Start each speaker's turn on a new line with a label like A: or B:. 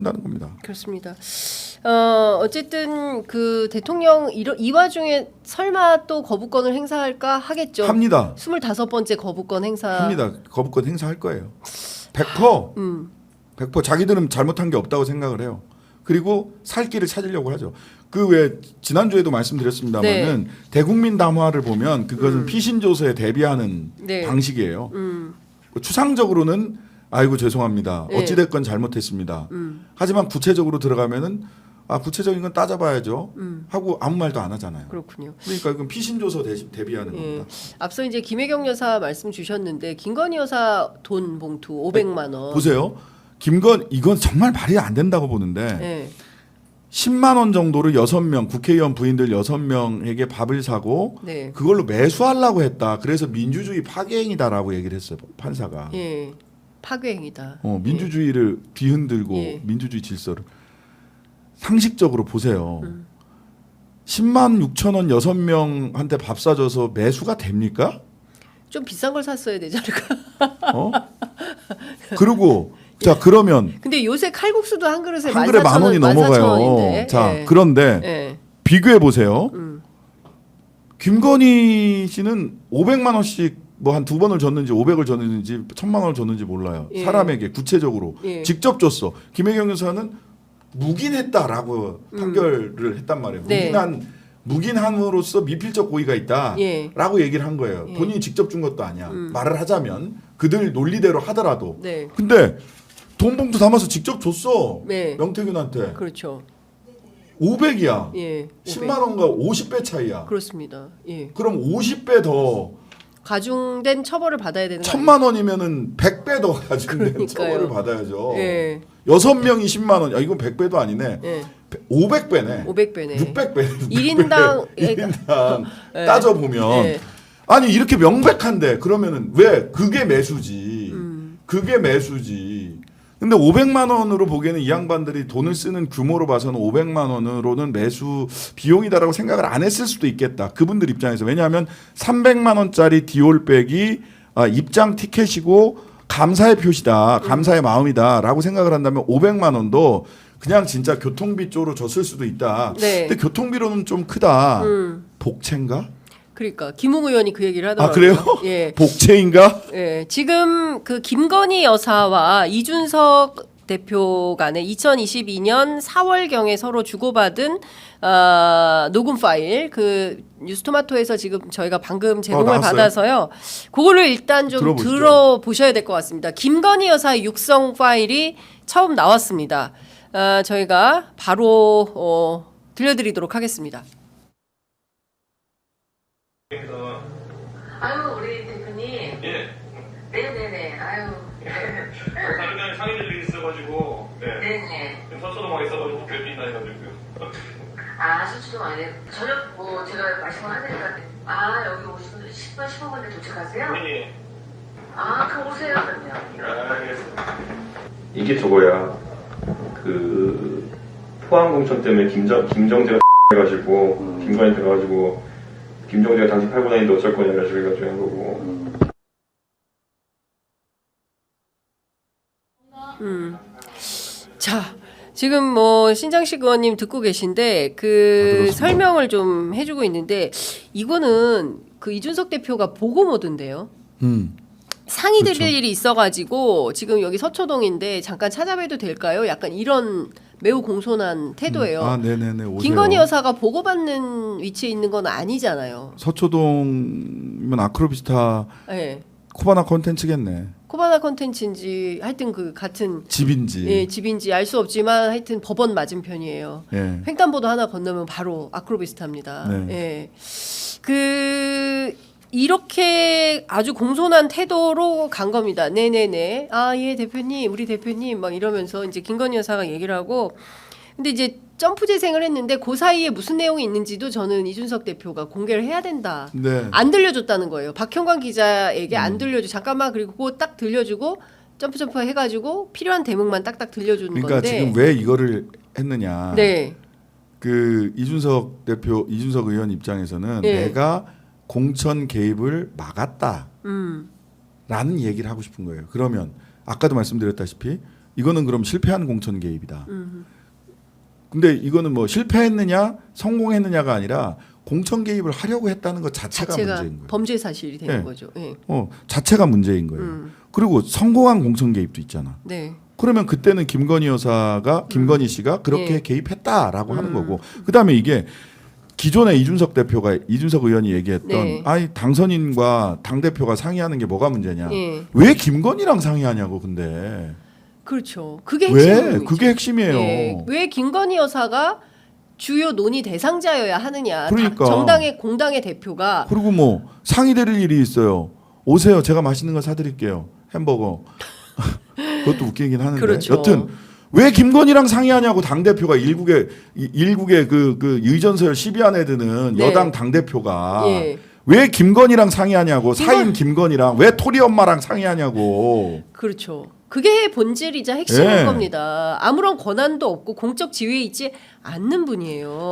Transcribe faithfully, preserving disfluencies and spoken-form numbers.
A: 한다는 겁니다.
B: 그렇습니다. 어, 어쨌든 그 대통령 이, 이 와중에 설마 또 거부권을 행사할까 하겠죠.
A: 합니다.
B: 스물다섯 번째 거부권 행사.
A: 합니다. 거부권 행사할 거예요. 백 퍼센트.
B: 음.
A: 백 퍼센트 자기들은 잘못한 게 없다고 생각을 해요. 그리고 살 길을 찾으려고 하죠. 그 왜 지난주에도 말씀드렸습니다만은 네. 대국민 담화를 보면 그것은 음. 피신조서에 대비하는 네. 방식이에요. 음. 추상적으로는 아이고 죄송합니다. 네. 어찌됐건 잘못했습니다. 음. 하지만 구체적으로 들어가면은 아 구체적인 건 따져봐야죠. 음. 하고 아무 말도 안 하잖아요.
B: 그렇군요.
A: 그러니까 이건 피신조서 대비하는 예. 겁니다.
B: 앞서 이제 김혜경 여사 말씀 주셨는데 김건희 여사 돈 봉투 오백만 원.
A: 보세요. 김건 이건 정말 말이 안 된다고 보는데
B: 네.
A: 십만 원 정도를 여섯 명 국회의원 부인들 여섯 명에게 밥을 사고 네. 그걸로 매수하려고 했다. 그래서 민주주의 파괴행위다라고 얘기를 했어요. 판사가.
B: 예. 파괴행위다.
A: 어, 민주주의를 예. 뒤흔들고 예. 민주주의 질서를 상식적으로 보세요. 음. 십만 육천 원 여섯 명한테 밥 사줘서 매수가 됩니까?
B: 좀 비싼 걸 샀어야 되지 않을까?
A: 어? 그리고 자 그러면
B: 근데 요새 칼국수도 한 그릇에
A: 한 그릇에 만 원이 넘어가요. 자 예. 그런데 예. 비교해 보세요. 음. 김건희 씨는 오백만 원씩 뭐 한 두 번을 줬는지 오백을 줬는지 천만 원을 줬는지 몰라요. 예. 사람에게 구체적으로 예. 직접 줬어. 김혜경 여사는 묵인했다라고 음. 판결을 했단 말이에요. 네. 묵인한 묵인함으로써 미필적 고의가 있다라고 예. 얘기를 한 거예요. 예. 본인이 직접 준 것도 아니야. 음. 말을 하자면 그들 논리대로 하더라도. 네. 근데 돈 봉투 담아서 직접 줬어. 네. 명태균한테.
B: 그렇죠.
A: 오백이야.
B: 예.
A: 십만 원과 오십 배 차이야.
B: 그렇습니다. 예.
A: 그럼 오십 배 더
B: 가중된 처벌을 받아야 되는 거
A: 천만 원이면은 백 배 더 가중된 그러니까요. 처벌을 받아야죠.
B: 예.
A: 여섯 명이 십만 원. 야, 이건 백 배도 아니네.
B: 예.
A: 오백 배네.
B: 오백 배네.
A: 육백 배.
B: 일 인당
A: 일 인당 예. 따져 보면 예. 아니 이렇게 명백한데 그러면은 왜 그게 매수지. 음. 그게 매수지. 근데 오백만 원으로 보기에는 이 양반들이 돈을 쓰는 규모로 봐서는 오백만 원으로는 매수 비용이다라고 생각을 안 했을 수도 있겠다. 그분들 입장에서. 왜냐하면 삼백만 원짜리 디올백이 입장 티켓이고 감사의 표시다. 감사의 마음이다라고 생각을 한다면 오백만 원도 그냥 진짜 교통비 쪽으로 줬을 수도 있다. 네. 근데 교통비로는 좀 크다. 음. 복채인가?
B: 그러니까 김웅 의원이 그 얘기를 하더라고요.
A: 아 그래요?
B: 예.
A: 복채인가?
B: 예. 지금 그 김건희 여사와 이준석 대표 간에 이천이십이 년 사월경에 서로 주고받은 어, 녹음 파일 그 뉴스토마토에서 지금 저희가 방금 제공을 어, 받아서요. 그거를 일단 좀 들어보시죠. 들어보셔야 될 것 같습니다. 김건희 여사의 육성 파일이 처음 나왔습니다. 어, 저희가 바로 어, 들려드리도록 하겠습니다.
C: 아유 우리 대표님. 예. 네네네. 아유.
D: 다른 날 상임일 일이 있어가지고. 네.
C: 네네.
D: 서초동 와 있어가지고 뵙긴다 해가지고요.
C: 아 서초동 안에 저녁 뭐 제가 말씀을 하니까 아 여기 오시면 십 분 십오 분에 도착하세요?
D: 네.
C: 아 그럼 오세요 그럼요.
D: 아, 알겠습니다.
E: 이게 저거야. 그 포항 공천 때문에 김정 김정재가 해가지고 음. 김건희 들어가지고. 김정재가 당신 팔고 다니는데 어쩔 거냐 이런 식으로 해가지고 한 거고.
B: 음. 자, 지금 뭐 신장식 의원님 듣고 계신데 그 아, 설명을 좀 해주고 있는데 이거는 그 이준석 대표가 보고 모드인데요. 음. 상의 드릴 그렇죠. 일이 있어가지고 지금 여기 서초동인데 잠깐 찾아뵈도 될까요? 약간 이런 매우 공손한 태도예요.
A: 음. 아, 네네네. 오세요.
B: 김건희 여사가 보고받는 위치에 있는 건 아니잖아요.
A: 서초동이면 아크로비스타
B: 네.
A: 코바나 콘텐츠겠네.
B: 코바나 콘텐츠인지 하여튼 그 같은
A: 집인지
B: 예, 집인지 알 수 없지만 하여튼 법원 맞은편이에요. 예. 횡단보도 하나 건너면 바로 아크로비스타입니다. 네. 예. 그 이렇게 아주 공손한 태도로 간 겁니다. 네네네. 아, 예, 대표님, 우리 대표님 막 이러면서 이제 김건희 여사가 얘기를 하고 근데 이제 점프 재생을 했는데 그 사이에 무슨 내용이 있는지도 저는 이준석 대표가 공개를 해야 된다. 네. 안 들려줬다는 거예요. 박형광 기자에게 음. 안 들려줘. 잠깐만 그리고 그거 딱 들려주고 점프 점프 해가지고 필요한 대목만 딱딱 들려주는
A: 그러니까
B: 건데.
A: 그러니까 지금 왜 이거를 했느냐.
B: 네.
A: 그 이준석 대표, 이준석 의원 입장에서는 네. 내가 공천 개입을 막았다. 음. 라는 얘기를 하고 싶은 거예요. 그러면 아까도 말씀드렸다시피 이거는 그럼 실패한 공천 개입이다.
B: 음.
A: 근데 이거는 뭐 실패했느냐 성공했느냐가 아니라 공천 개입을 하려고 했다는 것 자체가,
B: 자체가
A: 문제인 거예요.
B: 범죄 사실이 되는
A: 네.
B: 거죠. 네.
A: 어, 자체가 문제인 거예요.
B: 음.
A: 그리고 성공한 공천 개입도 있잖아.
B: 네.
A: 그러면 그때는 김건희 여사가 김건희 씨가 그렇게
B: 네.
A: 개입했다라고 하는
B: 음.
A: 거고 그다음에 이게 기존에 이준석 대표가 이준석 의원이 얘기했던
B: 네.
A: 아니 당선인과 당 대표가 상의하는 게 뭐가 문제냐?
B: 네.
A: 왜 김건희랑 상의하냐고 근데
B: 그렇죠. 그게
A: 왜
B: 핵심이죠.
A: 그게 핵심이에요.
B: 네. 왜 김건희 여사가 주요 논의 대상자여야 하느냐?
A: 그러니까.
B: 다- 정당의 공당의 대표가
A: 그리고 뭐 상의드릴 일이 있어요. 오세요. 제가 맛있는 거 사드릴게요. 햄버거. 그것도 웃기긴 하는데.
B: 그렇죠.
A: 여튼 왜 김건희랑 상의하냐고 당 대표가 일국의 이- 일국의 그, 그 의전서열 십위 안에 드는
B: 네.
A: 여당 당 대표가
B: 예.
A: 왜 김건희랑 상의하냐고
B: 김건-
A: 사인 김건희랑 왜 토리 엄마랑 상의하냐고.
B: 그렇죠. 그게 본질이자 핵심인
A: 예.
B: 겁니다. 아무런 권한도 없고 공적 지위에 있지 않는 분이에요.